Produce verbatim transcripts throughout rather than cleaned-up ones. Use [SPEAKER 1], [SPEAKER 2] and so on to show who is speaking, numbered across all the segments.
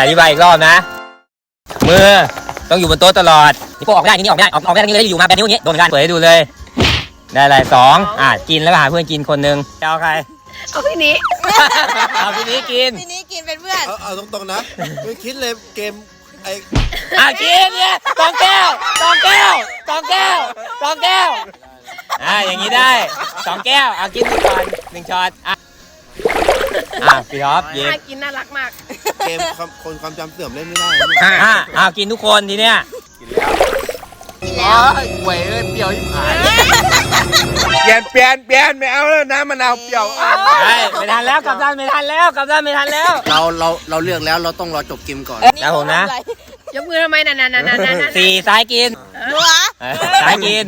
[SPEAKER 1] อธิบายอีกรอบนะมือต้องอยู่บนโต๊ะตลอดนี่พวกออกไม่ได้นี่ออกไม่ได้ออกออกไม่ได้นี่เลยอยู่มาแบบนี้อย่างนี้โดนกันเปิดให้ดูเลยได้อะไรสองอ่ะกินแล้วหาเพื่อนกินคนนึงจะเอาใคร
[SPEAKER 2] เอาพี่นี้
[SPEAKER 1] เอาพี่นี้กิน
[SPEAKER 3] พี่นี้กินเป็นเพื่อน
[SPEAKER 4] เอาเอาตรงๆนะไม่คิดเลยเกมไอ้
[SPEAKER 1] อ่ะกินเนี่ยกองแก้วกองแก้วกองแก้วกองแก้วอ่ะอย่างนี้ได้สองแก้วเอากินหนึ่งก่อนหนึ่งช้อนอ่ะอ่ะพี่ท็อปยิง
[SPEAKER 2] กินน่ารักมาก
[SPEAKER 4] เกมคนความจำเสื่อมเล่นไม่ได้
[SPEAKER 1] อ่ะอ่ะกินทุกคนทีเนี้ย
[SPEAKER 3] กินแล้ว
[SPEAKER 4] หวยเลยเปรี้ยวที่ผ่านเปลี่ยนเปลี่ยนเปลี่ยนไม่เอาแล้วน้ำมะนาวเปรี้ยว
[SPEAKER 1] ไม่ไม่ทันแล้วกับด้านไม่ทันแล้วกับด้านไม่ทันแล้ว
[SPEAKER 4] เราเราเราเลือกแล้วเราต้องรอจบเกมก่อน
[SPEAKER 1] นะผมนะ
[SPEAKER 2] ยกมือทำไมนั่นนั่นนั่นนั่น
[SPEAKER 1] สี่ซ้ายกิน
[SPEAKER 3] หัว
[SPEAKER 1] ซ้ายกิน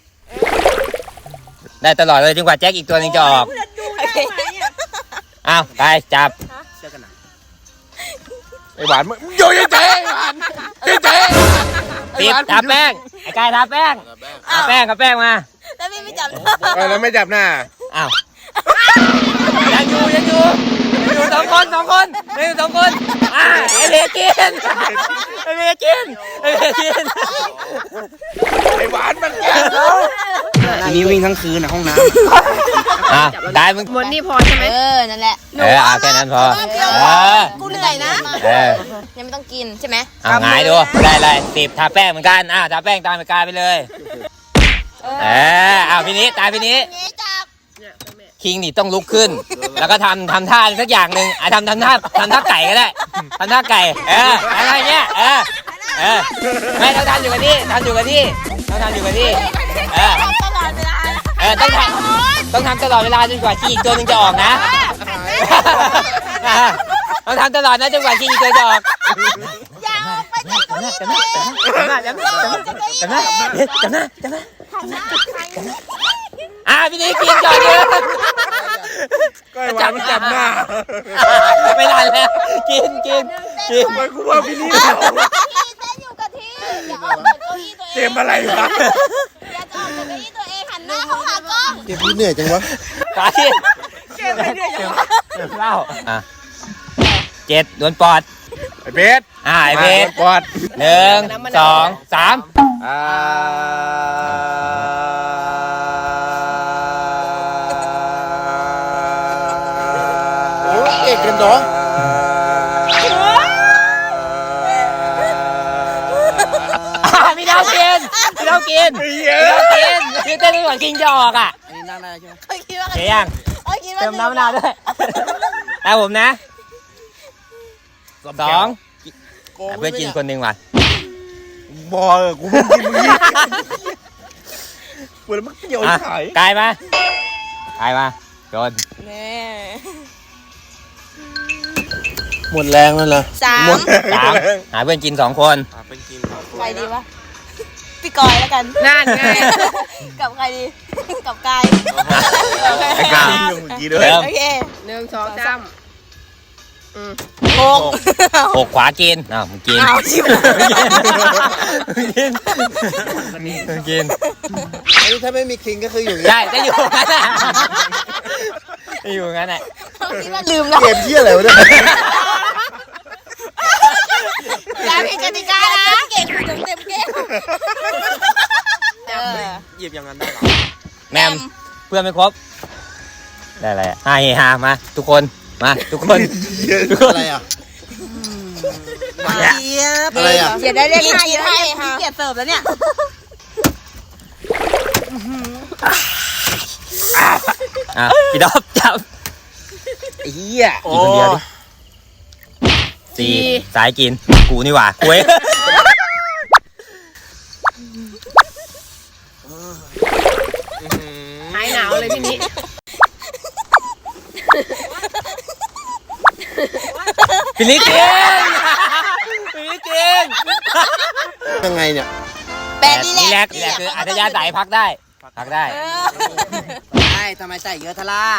[SPEAKER 1] ได้ตลอดเลยจนกว่าแจ็คอีกตัวนึงจะออกอ้าวไปจับ
[SPEAKER 4] เชื่อกันนะไอ้หวานมึงโยนใจไอ้หวานใจ
[SPEAKER 1] ติดทาแป้งไอ้กายทาแป้งทาแป้งกับแป้งมา
[SPEAKER 3] แล้วพี่ไม่จับ
[SPEAKER 4] แล้วไม่จับหน้า
[SPEAKER 1] อ้าวยังอยู่ยังอยู่อยู่สองคนสองคนนี่สองคนอ่าไอ้เด็กกินไอ้เด็กกินไอ้เด็กกิน
[SPEAKER 4] ไอ้หวานมันแก่ทีนี้วิ่งทั้งคืนในห้องน้
[SPEAKER 1] ำอ่ะได้มึง
[SPEAKER 2] หมดนี่พอใช่ไหม
[SPEAKER 3] เออนั่นแหละ
[SPEAKER 1] เออเอาแค่นั้นพอ
[SPEAKER 3] เออกูเหนื่อยนะ
[SPEAKER 1] เออ
[SPEAKER 3] ยังไม่ต้องกินใช่ไหม
[SPEAKER 1] เอาไงดูได้เลยสิบทาแป้งเหมือนกันอ่ะทาแป้งตามไปกายไปเลยเออเอาพี่นี้ตายพี่นี้คิงนี่ต้องลุกขึ้นแล้วก็ทำทำท่าสักอย่างหนึ่งอ่ะทำทำท่าทำท่าไก่ก็ได้ทำท่าไก่เอออะไรเงี้ยเออเออไม่ต้องทำอยู่กับที่ทำอยู่กับที่ต้องทำอยู่กับที่เออ
[SPEAKER 3] ตลอดเวลา
[SPEAKER 1] เออต้องทำต้องทำตลอดเวลาจนกว่าขี้อีกตัวนึงจะออกนะต้องทำตลอดนะจนกว่าขี้อีกตัวจะออก
[SPEAKER 3] อย่าไปจับตัวนี้
[SPEAKER 1] จำหน้าจำหน้าจำหน้าจำหน้าจำหน้าจำหน้าอ่ะพี่นี้กินก่อนเลย
[SPEAKER 4] ก็จับจับหน้า
[SPEAKER 1] ไม่ทันแล้วกินกินกิน
[SPEAKER 4] ไปกูว่าพี่นี่
[SPEAKER 3] เต้นอยู่กับที่อย่าออกจากเก้าอี้ตัวเอง
[SPEAKER 4] เกมอะไรวะ
[SPEAKER 3] อย่าออกจากเก้าอี้ตัวเองหันหน้าเข้าหากล้อง
[SPEAKER 4] เกมพี่เหนื่อยจังวะ
[SPEAKER 1] ตายเกมไม่เหนื่อยจังวะเล่าอ่ะเจ็ดโดนปอด
[SPEAKER 4] ไอ้เบส
[SPEAKER 1] อ่าไอ้เบส
[SPEAKER 4] ปอด
[SPEAKER 1] หนึ่งสองสาม
[SPEAKER 4] อ่าเอกกันเนาะ
[SPEAKER 1] พี่ดาวกินพี่ดาวกินพี่ดาวกินคือเต้นก่อนกินจะออกอ่ะ
[SPEAKER 4] อันนี้นั่งได้ใช่ไหม
[SPEAKER 1] เสียยังเติมน้ำมะนาวด้วยแล้วผมนะสองเพื่อกินคนหนึ่งว่ะ
[SPEAKER 4] บอลกูไม่กินมึงยี่เปิดมันเกี่ยวไข่
[SPEAKER 1] กายมากายมาโดน
[SPEAKER 4] หมดแรงแล้วเหรอ
[SPEAKER 3] สาม
[SPEAKER 1] สามหาเพื่อนกินสองคน
[SPEAKER 3] ใครดีวะพี่กอยแล้วกัน
[SPEAKER 2] นั่นไง
[SPEAKER 3] กับใครดีกับกาย
[SPEAKER 1] กาย
[SPEAKER 3] โอเค
[SPEAKER 2] หนึ่งสองสาม
[SPEAKER 3] หก
[SPEAKER 1] หกขวากินอ้าวมึงกิน
[SPEAKER 3] อ้าวชิบ
[SPEAKER 1] กินกิน
[SPEAKER 4] อันนี้ถ้าไม่มีคิงก็คืออยู่
[SPEAKER 1] ใช่จะอยู่งั้นแหละจะอยู่งั้นแหละ
[SPEAKER 3] คิดว่าลืมแล้ว
[SPEAKER 4] เกมที่อะไรวะเนี่ย
[SPEAKER 3] อย่าผิดกติกานะเก่งคุณเต็มเกม
[SPEAKER 4] หยิบอย่างนั้นได้หรอ
[SPEAKER 1] แมมเพื่อนไม่ครบได้อะไรอ่ะห้าเฮฮามาทุกคนมาทุกคน
[SPEAKER 4] ทุกคนอะไรอ่ะ
[SPEAKER 3] อะไรอ่ะเดี๋ยวได้เรียกให้ให้ค่ะเกียรติเสิร์ฟแล้วเนี่ย
[SPEAKER 1] อ่ะพี่ดอบจับ
[SPEAKER 4] ไอ้เหี้ย
[SPEAKER 1] กินคนเดียวดิสี่สายกินกูนี่หว่าคุย
[SPEAKER 2] หายหนาวเลยพี่นี้
[SPEAKER 1] พี่นิดกินพี่นิดกิน
[SPEAKER 4] ยังไงเนี่ย
[SPEAKER 3] แปดดีแลก
[SPEAKER 1] ดีแลกคืออัธยาศัยพักได้พักได้
[SPEAKER 4] ใช่ทำไมใส่เยอะทะล่า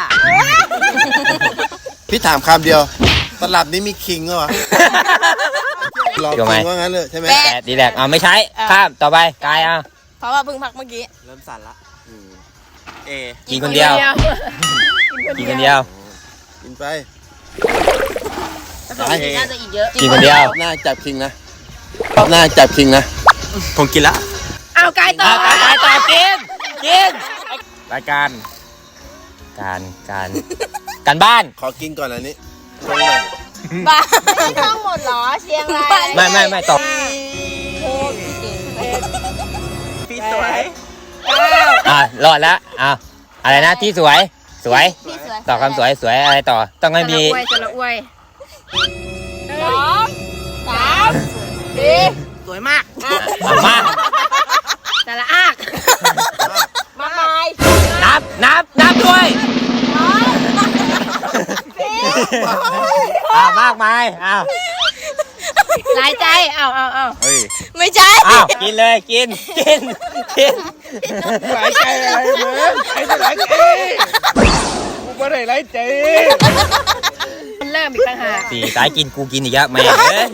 [SPEAKER 4] พี่ถามคำเดียวตลับนี้มีคิงเหรอลองคิงว่างั้นเลยใช่ไหม
[SPEAKER 1] แปดดีแลกอ่ะไม่ใช้ข้ามต่อไปกายอ่ะ
[SPEAKER 3] เพราะว่าเพิ่งพักเมื่อกี้
[SPEAKER 4] เริ่มสั่นละเอ
[SPEAKER 1] กินคนเดียวกินคนเดียว
[SPEAKER 4] กินไป
[SPEAKER 3] น่าจะอีกเยอะ
[SPEAKER 1] กินคนเดียว
[SPEAKER 4] หน้าจับคิงนะหน้าจับคิงนะ
[SPEAKER 5] ผมกินละ
[SPEAKER 2] เอากายต่อ
[SPEAKER 1] เอาตายตายตายกินกินรายการการการการบ้าน
[SPEAKER 4] ขอกินก่อนอันนี้ตรงหน่อย
[SPEAKER 3] บ้าไม่ต้องหมดหรอเชียงราย
[SPEAKER 1] ไม่ไม่ไม่ตอบ
[SPEAKER 5] พี่สวย
[SPEAKER 1] อ่ะรอดแล้วอ่ะอะไรนะที่สวยสวย
[SPEAKER 3] พี่สวย
[SPEAKER 1] ต่อคำสวยสวยอะไรต่อต้องให้มี
[SPEAKER 2] สระอวยสระอวย
[SPEAKER 3] สองสามสี่
[SPEAKER 5] สวยมาก
[SPEAKER 1] เอามา
[SPEAKER 2] สระอาก
[SPEAKER 3] มาไม้
[SPEAKER 1] นับนับนับด้วย อ่ามากมายอ้าว
[SPEAKER 2] หลายใจเอาเอาเอา
[SPEAKER 5] เฮ้ย
[SPEAKER 3] ไม่ใช่
[SPEAKER 1] อ้าวกินเลยกินกินกิน
[SPEAKER 5] หลายใจอะไรมึงไอ้จะหลายใจกูไม่ได้หลายใจ
[SPEAKER 2] มันเริ่มอีกต่างหาก
[SPEAKER 1] สี่สายกินกูกินอีกแล้วแม่งเอ้ย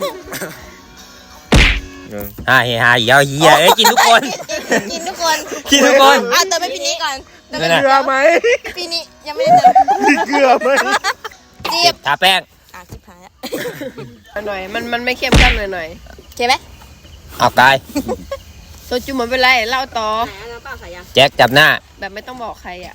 [SPEAKER 1] ฮ่าเฮฮาอีกแล้วเฮียเอ้ยกินทุกคน
[SPEAKER 3] กินทุกคน
[SPEAKER 1] กินทุกคน
[SPEAKER 3] อ่ะเติมให้พี่นี้ก่อนเติม
[SPEAKER 1] นั่
[SPEAKER 3] ให้
[SPEAKER 1] นน่ะ
[SPEAKER 5] เกลือไหม
[SPEAKER 3] พี่นี้ยังไม่ได้เติม
[SPEAKER 5] มีเกลือไหม
[SPEAKER 3] จีบ
[SPEAKER 1] ทาแป้ง
[SPEAKER 3] อ่ะจิบหายแล้ว
[SPEAKER 2] เอาหน่อยมันมันไม่เข้มข้นหน่อยหน่อย
[SPEAKER 3] โอเคไหม
[SPEAKER 1] เอากาย
[SPEAKER 2] โซจูเหมือนเป็นไรเล่าต่อ
[SPEAKER 1] แจ็คจับหน้า
[SPEAKER 2] แบบไม่ต้องบอกใครอ่ะ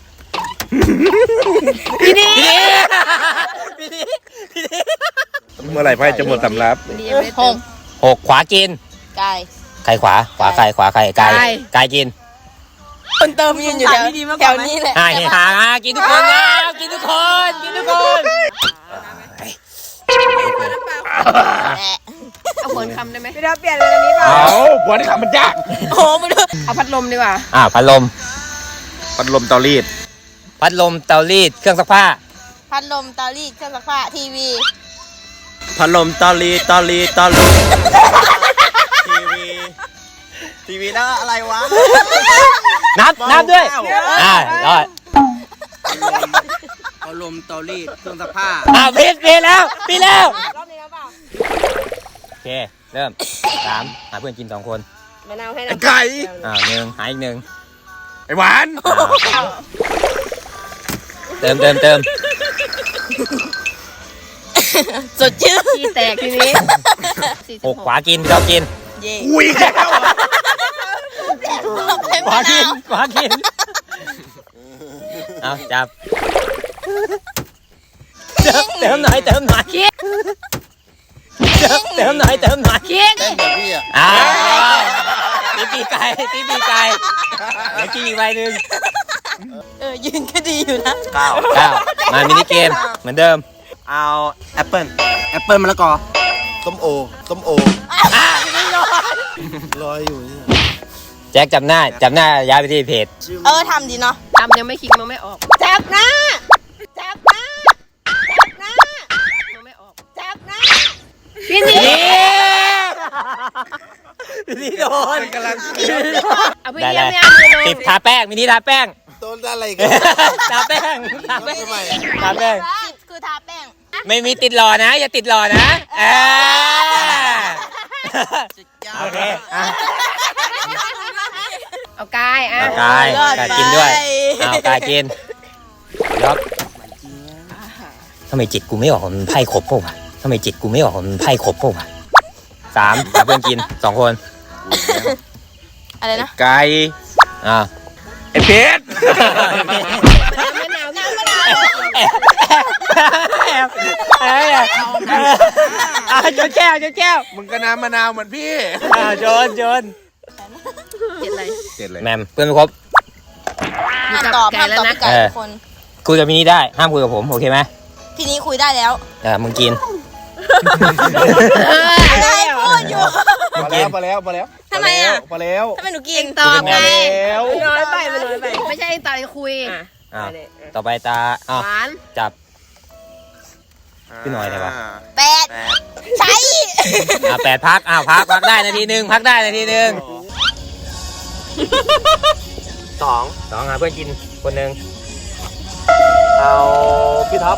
[SPEAKER 1] พี่นี่พี่นี่พี่นี่
[SPEAKER 5] เมื่อไหร่ไพ่จะหมดสำรับ
[SPEAKER 2] วันนี้ยังไม่ได้
[SPEAKER 3] ห
[SPEAKER 2] เติ
[SPEAKER 3] ก
[SPEAKER 2] ม
[SPEAKER 1] หกขวากิน
[SPEAKER 3] ไก่
[SPEAKER 1] ใครขวาขวาใครขวาใครกาย
[SPEAKER 2] กาย
[SPEAKER 1] กายกิน
[SPEAKER 3] คนเติมยืนอยู่แถวแถวนี้แหละ
[SPEAKER 1] ฮ่าเฮฮาอ่ะกินทุกคนนะกินทุกคนกินทุกคน
[SPEAKER 2] เอาผลคำได้ไหม
[SPEAKER 5] เอาหัวนี่ขับมันยาก
[SPEAKER 3] โอ้โหมาดู
[SPEAKER 2] เอาพัดลมดีกว่า
[SPEAKER 1] อ่าพัดลม
[SPEAKER 5] พัดลมเตารีด
[SPEAKER 1] พัดลมเตารีดเครื่องซักผ้า
[SPEAKER 3] พัดลมเตารีดเครื่องซักผ้าทีวี
[SPEAKER 5] พัดลมเตารีดเตารีดเตารีดทีวีทีวีแล้วอะไรวะ
[SPEAKER 1] นับนับด้วยอ่ารอด
[SPEAKER 5] พัดลมเตารีดเครื่องซักผ้า
[SPEAKER 1] อ่าพีดพีดแล้วพีดแล้วโอเคเริ่มสามหาเพื่อนกินสองคน
[SPEAKER 2] มะนาวให้
[SPEAKER 5] ไอ้
[SPEAKER 2] น้ำ
[SPEAKER 5] ไก่
[SPEAKER 1] อ่าหนึ่งหาอีกหนึ่ง
[SPEAKER 5] ไอ้หวาน
[SPEAKER 1] อ่าเติมเติมเติม
[SPEAKER 3] สดชื่น
[SPEAKER 2] ขี้แตกทีนี้สี่สิบ
[SPEAKER 1] หกขวากินพี่ชอบกิน
[SPEAKER 3] เย่
[SPEAKER 5] อุ้ยแก้ว
[SPEAKER 3] เป็น
[SPEAKER 1] ขวาม
[SPEAKER 3] ะ
[SPEAKER 1] กิ
[SPEAKER 3] นาน ว
[SPEAKER 1] ขวากินเอาจับเติมเติมหน่อยเติมหน่อยเติมเติมหน่อยเติมหน่อย
[SPEAKER 2] คิง
[SPEAKER 4] เต้นแบบพี่อ่ะ
[SPEAKER 1] อ่าตีปีกไก่ตีปีกไก่เดี๋ยวกินอีกใบหนึ่ง
[SPEAKER 3] เออยืนก็ดีอยู่นะ
[SPEAKER 5] เก้า
[SPEAKER 1] เก้ามามินิเกมเหมือนเดิม
[SPEAKER 5] เอาแอปเปิ้ลแอปเปิ้ลมะละกอ
[SPEAKER 4] ต้มโอต้มโอลอยอยู่เนี่ย
[SPEAKER 1] แจ็คจับหน้าจับหน้าย้ายไปที่เพจ
[SPEAKER 3] เออทำดีเนาะ
[SPEAKER 2] ตำยังไม่คิงมันไม่ออก
[SPEAKER 3] จับหน้าจับหน้าจับหน้า
[SPEAKER 2] มันไม่ออก
[SPEAKER 3] จับหน้า
[SPEAKER 2] พี่นี่
[SPEAKER 1] นี่นี่โดน
[SPEAKER 5] กำลัง
[SPEAKER 2] เอาพี่
[SPEAKER 1] ได้
[SPEAKER 2] เยี่
[SPEAKER 1] เลย
[SPEAKER 2] ยมไม่เอามือลง
[SPEAKER 1] ติดทาแป้งมินิทาแป้ง
[SPEAKER 4] ต้นอะไรกัน
[SPEAKER 1] ทาแป้งทาแป้ง
[SPEAKER 4] ทำไม
[SPEAKER 1] ทาแป้ง
[SPEAKER 3] สิบคือทาแป้ง
[SPEAKER 1] ไม่มีติดหล่อนะ อย่าติดหล่อนะเออโอเคอ่ะ
[SPEAKER 2] เอากายอ่ะ
[SPEAKER 1] เอากายกายกินด้วยเอากายกินยกทำไมจิตกูไม่ออกมันไพ่ครบป่าวะทำไมจิตกูไม่ออกมันไพ่ครบป่าวะสามหาเพื่อนกินสองคน
[SPEAKER 3] อะไรนะ
[SPEAKER 5] ไก่
[SPEAKER 1] อ่า
[SPEAKER 5] ไอ้เพชร
[SPEAKER 2] มะนาวน้ำมะนาว
[SPEAKER 1] แอบแอบแอบอ่าจนแก้วจนแก้ว
[SPEAKER 5] มึงก็น้ำมะนาวเหมือนพี่
[SPEAKER 1] อ่าจนจน
[SPEAKER 2] เห็นอะไร
[SPEAKER 5] เจ็ดเลย
[SPEAKER 1] แมมเพื่อนไม่ครบ
[SPEAKER 3] ห้ามตอบห้ามตอบพี่ไก่ทุกคน
[SPEAKER 1] คุยกับมินี่ได้ห้ามคุยกับผมโอเคไหม
[SPEAKER 3] ทีนี้คุยได้แล้ว
[SPEAKER 1] เออมึงกิน
[SPEAKER 3] อะไรพูดอยู่
[SPEAKER 5] พอแล้วพอแล้วพอแล้ว
[SPEAKER 3] ทำไมอ่ะ
[SPEAKER 5] พอแล้ว
[SPEAKER 3] ทำไมหนูกิน
[SPEAKER 2] ตอบไง
[SPEAKER 5] แล้ว
[SPEAKER 2] น้อยไปมันน้อยไปไม่ใช่ตอนคุย
[SPEAKER 1] อ่าต่อไปตาอ้าว
[SPEAKER 2] หวาน
[SPEAKER 1] จับ พี่หน่อยได้ปะ
[SPEAKER 3] แปดใช้
[SPEAKER 1] อ่าแปดพักอ้าวพักพักได้นาทีหนึ่งพักได้นาทีหนึ่ง
[SPEAKER 5] สอง
[SPEAKER 1] สองหาเพื่อนกินคนหนึ่ง
[SPEAKER 5] เอาพี่ท็อป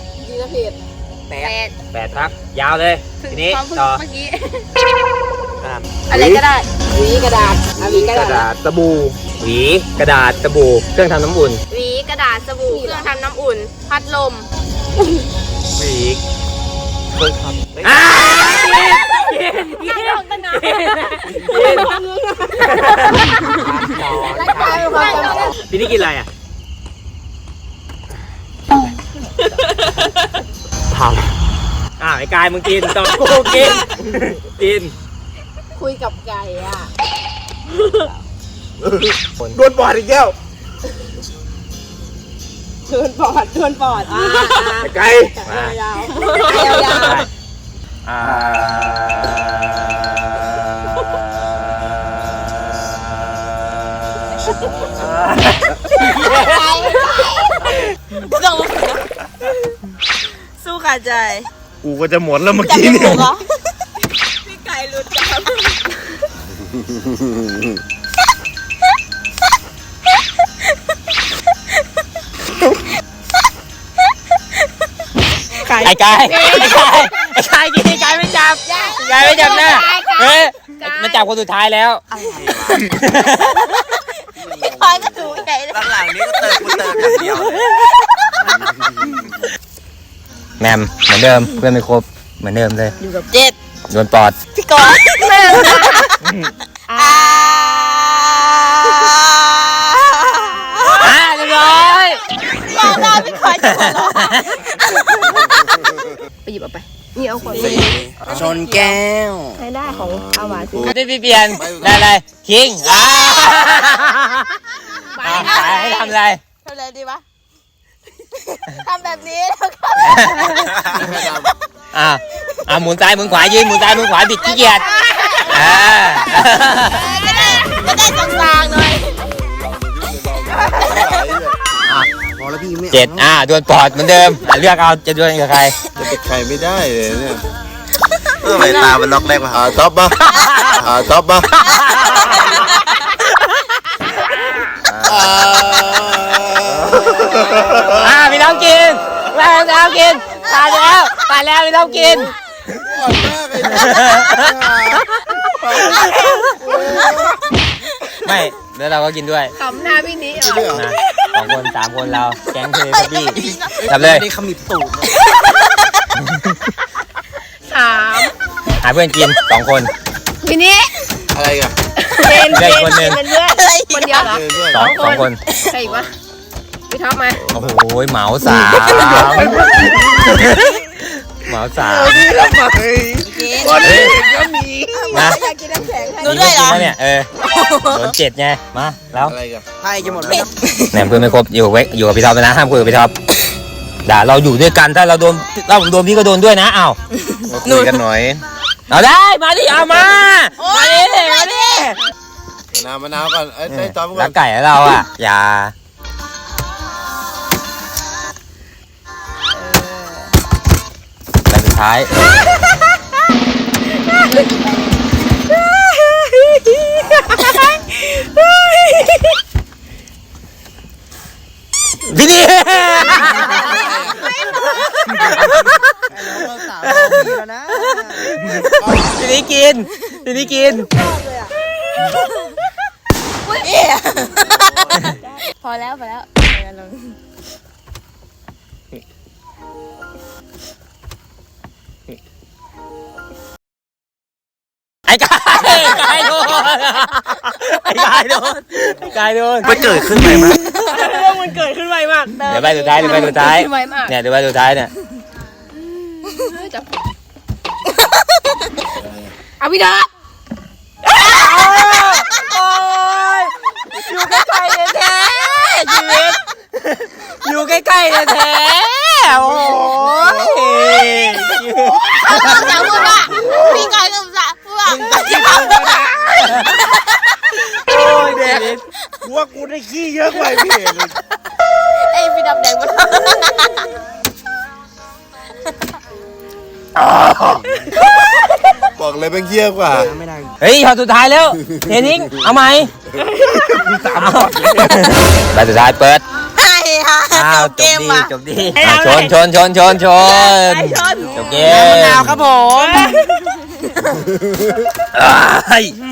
[SPEAKER 2] แปด
[SPEAKER 1] แปดพักยาวเลยทีนี้
[SPEAKER 2] ความพึ่ง
[SPEAKER 1] ต่อ
[SPEAKER 2] เมื่อกี้
[SPEAKER 5] อ่าาษ
[SPEAKER 2] อะไรก็ได้หวีกระดาษเอาหวีกระ
[SPEAKER 1] กระ
[SPEAKER 2] ดา
[SPEAKER 1] ดา
[SPEAKER 2] ษ
[SPEAKER 1] ษสบู่หวีกระดาษสบู่เครื่องทำน้ำอุ่น
[SPEAKER 3] หวีกระดาษสบู่เครื่องทำน้ำอุ่น พัดลม
[SPEAKER 5] หวีเคยครับ
[SPEAKER 1] อ้า
[SPEAKER 3] นั่งลงตั้งนาน
[SPEAKER 1] พี่นี่กินอะไรอ่ะทำอ่าไอ้กายมึงกินต่อกูกินกิน
[SPEAKER 2] คุยกับไก่อ่ะ
[SPEAKER 4] โดนบอดอีกแล้ว
[SPEAKER 2] โดนปอดโดนปอดอ่า
[SPEAKER 4] ไอ้ไก่
[SPEAKER 1] มา
[SPEAKER 2] ๆยาวๆยาว
[SPEAKER 1] อ่า
[SPEAKER 3] ต้องสู้ขาดใจ
[SPEAKER 4] กูก็จะหมดแล้วเมื่อกี้เนี่ย
[SPEAKER 3] เหรอพี่ไก่รู้จัก
[SPEAKER 1] ไอ้กายไอ้กายไอ้กายกินไอ้กายไม่จับไอ้กายไม่จับหน้าเฮ้ยมันจับคนสุดท้ายแล้ว
[SPEAKER 3] พี่พลอยก็ถูกไก่เลย
[SPEAKER 5] หลังๆนี้ก็เติมกูเติมอย่างเดียวเลย
[SPEAKER 1] แมมเหมือนเดิมเพื่อนไม่ครบเหมือนเดิมเลย
[SPEAKER 3] อยู่กับเจ็ด
[SPEAKER 1] โดนปอด
[SPEAKER 3] พี่กอนแม่อ่า
[SPEAKER 1] อ่าเรียบร้อย
[SPEAKER 3] รอได้พี่พลอยจะหัวเราะ
[SPEAKER 2] ๆไปหยิบเอาไปนี่เอาขวด
[SPEAKER 5] ชนแก้ว
[SPEAKER 2] ใช้ได้ของเอาหวานสิ
[SPEAKER 1] ได้พี่เปลี่ยนได้อะไรคิงอ่าอ่าให้ทำอะไร
[SPEAKER 3] ทำอะไรดีวะทำแบบนี้แล้วก็
[SPEAKER 1] อ่าอ่าหมุนซ้ายหมุนขวายืนหมุนซ้ายหมุนขวาบิดขี้เกียจอ่า
[SPEAKER 3] จะได้จะได้กลางๆหน่อย
[SPEAKER 4] พอแล้วพี่ไม่
[SPEAKER 1] เจ็ดอ่าดวลปอดเหมือนเดิมอ่ะเลือกเอาจะดวลกับใคร
[SPEAKER 4] จะเป็นใครไม่ได้เลยเนี่ย
[SPEAKER 5] ทำไมตามันล็อกแรกวะ
[SPEAKER 4] อ่าท็อปปะอ่าท็อปปะอ่า
[SPEAKER 1] อ่าพี่น้องกินแม่พี่น้องกินตายแล้วตายแล้วพี่น้องกิน
[SPEAKER 4] อ่อนมากเลยนะ
[SPEAKER 1] ไม่แล้วเราก็กินด้วย
[SPEAKER 2] ขำหน้าพี่นี้เหรอ
[SPEAKER 4] เรื่อง
[SPEAKER 1] นะสองคนสามคนเราแก๊งเทเลบี้จับเลย
[SPEAKER 5] นี่ขมิบตูด
[SPEAKER 2] สาม
[SPEAKER 1] หาเพื่อนกินสองคน
[SPEAKER 2] พี่นี้
[SPEAKER 4] อะไรกัน
[SPEAKER 2] เจน
[SPEAKER 1] ได้
[SPEAKER 2] เจน
[SPEAKER 1] คนหนึ่ง
[SPEAKER 2] เป็นเพื่อนคนเดียวเหรอ
[SPEAKER 4] เดินด้วย
[SPEAKER 1] สองสองคน
[SPEAKER 2] ใครอีกวะพี่ท็อปมา
[SPEAKER 1] โอ้โหเหมาสามเหมาสาม
[SPEAKER 4] นี่ทำไมคนอื่นก็มี
[SPEAKER 1] นะ
[SPEAKER 2] อยากกินน้ำแข็งให้
[SPEAKER 3] ดูด้วยเหรอ
[SPEAKER 1] กินเนี่ยเออโดนเจ็ดไงมาแล้ว
[SPEAKER 4] อะไรกัน
[SPEAKER 5] ไพ่จะหมดแล้ว
[SPEAKER 1] แหนมเพื่อนไม่ครบอยู่ไว้อยู่กับพี่ท็อปไปนะห้ามคุยกับพี่ท็อปด่าเราอยู่ด้วยกันถ้าเราโดนถ้าผมโดนพี่ก็โดนด้วยนะอ้าว
[SPEAKER 4] มาคุยกันหน่อย
[SPEAKER 1] เอาได้มาดิเอามามาดิมาดิ
[SPEAKER 4] มะนาวมะนาวก่อนไอ้ไอ้ท็อปก่
[SPEAKER 1] รั
[SPEAKER 4] อก น
[SPEAKER 1] ไก่ให้เราอ่ะอย่าแต่สุดท้ายพี่นี่พี่นี่กินพี่นี่กิน
[SPEAKER 3] พอแล้วพอแล้ว
[SPEAKER 1] ไอ้กายไอ้กายโดนไอ้กายโดนไอ้กายโดน
[SPEAKER 5] มันเกิดขึ้นไหมมั้ย
[SPEAKER 2] เรื่องมันเกิดขึ้นไวมาก
[SPEAKER 1] เดี๋ยวไปสุดท้ายเดี๋ยวไปสุดท้าย
[SPEAKER 2] ไวมาก
[SPEAKER 1] เนี่ยเดี๋ยวไปสุดท้ายเนี่ย
[SPEAKER 2] จับเอาพี่ท็อป
[SPEAKER 1] โอ้ยอยู่ใกล้ๆแท้ๆชีวิตอยู่ใกล้ๆแท้ๆโอ้ย
[SPEAKER 3] จะพูดว่าพี่กอนกับสะพูดว่าอย่าทำนะ
[SPEAKER 1] โอ้ยเด็ก
[SPEAKER 4] กูว่ากูได้ขี้เยอะกว่าพี่เอกเลย
[SPEAKER 3] ไอ้พี่ดำแดงมัน
[SPEAKER 4] บอกเลยเป็นเยี่ยกว่า
[SPEAKER 5] ไม่ได้
[SPEAKER 1] เฮ้ยพอสุดท้ายแล้วเทนิงเอาไหมไปสุดท้ายเปิด
[SPEAKER 3] ไอ้ฮะ
[SPEAKER 1] อ้าว
[SPEAKER 3] จบ
[SPEAKER 1] จ
[SPEAKER 3] เก
[SPEAKER 1] บ
[SPEAKER 3] ม
[SPEAKER 1] ดี
[SPEAKER 3] ว่ะ
[SPEAKER 1] จบดีชนชนชนชนชนจบเกม
[SPEAKER 5] มะนาวครับผม
[SPEAKER 1] จเอ้ย